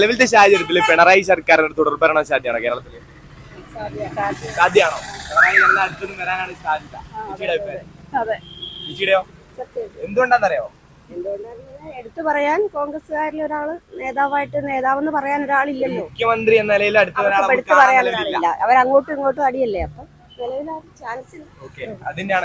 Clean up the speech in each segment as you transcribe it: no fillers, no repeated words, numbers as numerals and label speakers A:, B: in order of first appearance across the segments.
A: നിലവിലത്തെ സാഹചര്യത്തിൽ പിണറായി സർക്കാരിന് തുടർഭരണം സാധ്യമാണോ കേരളത്തിൽ? സാധ്യമാണോ? പിണറായി നല്ല അടുത്തൊന്നും വരാനാണ് സാധ്യത. ചേച്ചിയുടെയോ? എന്തുകൊണ്ടാണെന്നറിയോ?
B: എടുത്തു പറയാൻ കോൺഗ്രസ്സുകാരിൽ ഒരാള് നേതാവെന്ന് പറയാൻ ഒരാളില്ലല്ലോ.
A: മുഖ്യമന്ത്രി എന്ന നിലയിൽ
B: എടുത്തു പറയാൻ ഒരാളില്ല. അവരങ്ങോട്ടും ഇങ്ങോട്ടും അടിയല്ലേ. അപ്പൊ ചാൻസ്
A: അതിന്റെയാണ്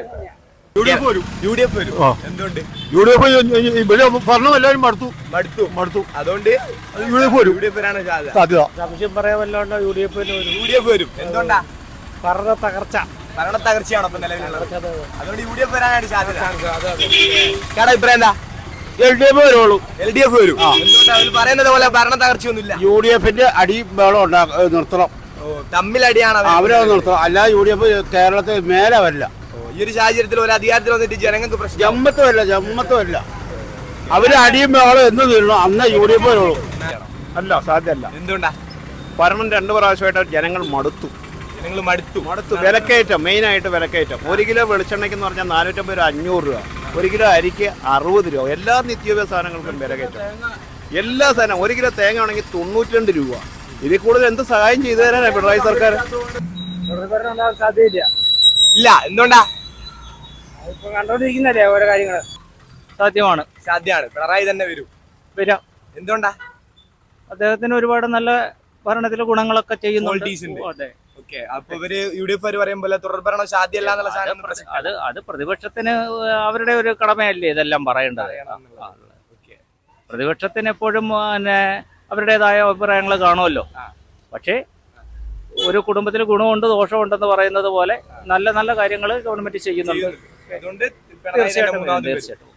C: ഭരണം എല്ലാവരും മടുത്തു
A: അതുകൊണ്ട്
C: സാധ്യത
D: പറയാൻ വല്ലോണ്ടോ യു ഡി എഫ്
A: വരും. എന്തുകൊണ്ടാ?
D: ഭരണ
A: തകർച്ചയാണോ ഇപ്പൊ നിലവിലുള്ളത്? അതുകൊണ്ട് യു ഡി എഫ് വരാനാണ് സാധ്യത. അഭിപ്രായം എന്താ?
C: വരുള്ളൂ.
A: LDF വരും. എന്തുകൊണ്ടാ? അവർ പറയുന്നത് പോലെ ഭരണ തകർച്ചയൊന്നുമില്ല.
C: UDF അടി ബഹളം നിർത്തണം.
A: തമ്മിലടിയാണ്
C: അവരെ നിർത്തണം. അല്ല UDF കേരളത്തിൽ മേലെ വരില്ല.
A: ഈ ഒരു സാഹചര്യത്തിൽ ഒരു അധികാരത്തിൽ വന്നിട്ട് ജനങ്ങൾക്ക് പ്രശ്നം
C: ജമ്മത്തുമല്ല അവര് അടിയും ബഹളം എന്ന് തീരണം അന്ന് UDF വരുള്ളൂ. അല്ല സാധ്യമല്ല.
A: എന്തുകൊണ്ടാ?
C: ഭരണം 2 പ്രാവശ്യമായിട്ട് ജനങ്ങൾ മടുത്തു. വിലക്കയറ്റം, മെയിനായിട്ട് വിലക്കയറ്റം. 1 കിലോ വെളിച്ചെണ്ണയ്ക്കെന്ന് പറഞ്ഞാൽ 450 രൂപ, 500 രൂപ. 1 കിലോ അരിക്ക് 60 രൂപ. എല്ലാ നിത്യോപയോഗ സാധനങ്ങൾക്കും വിലക്കയറ്റം. എല്ലാ സാധനം 1 കിലോ തേങ്ങ ആണെങ്കിൽ 92 രൂപ. ഇതിൽ കൂടുതൽ എന്ത് സഹായം ചെയ്തു തരാനാണ് പിണറായി സർക്കാർ?
D: സാധ്യതയില്ല.
A: ഇല്ല. എന്തുകൊണ്ടാ?
D: കണ്ടോണ്ടിരിക്കുന്നല്ലേ ഓരോ കാര്യങ്ങള്. സാധ്യമാണ്.
A: പിണറായി തന്നെ വരാം. എന്തുകൊണ്ടാ?
D: അദ്ദേഹത്തിന് ഒരുപാട് നല്ല ഭരണത്തിലെ ഗുണങ്ങളൊക്കെ ചെയ്യുന്നുണ്ട്.
A: അപ്പൊ ഇവര് UDF പറയുമ്പോൾ തുടർഭരണം സാധ്യമല്ല എന്നുള്ള
D: അത് പ്രതിപക്ഷത്തിന് അവരുടെ ഒരു കടമയല്ലേ ഇതെല്ലാം പറയേണ്ടത്. പ്രതിപക്ഷത്തിന് എപ്പോഴും പിന്നെ അവരുടേതായ അഭിപ്രായങ്ങൾ കാണുമല്ലോ. പക്ഷേ ഒരു കുടുംബത്തിൽ ഗുണമുണ്ട് ദോഷമുണ്ടെന്ന് പറയുന്നത് പോലെ നല്ല നല്ല കാര്യങ്ങൾ ഗവൺമെന്റ് ചെയ്യുന്നുണ്ട്.
A: തീർച്ചയായിട്ടും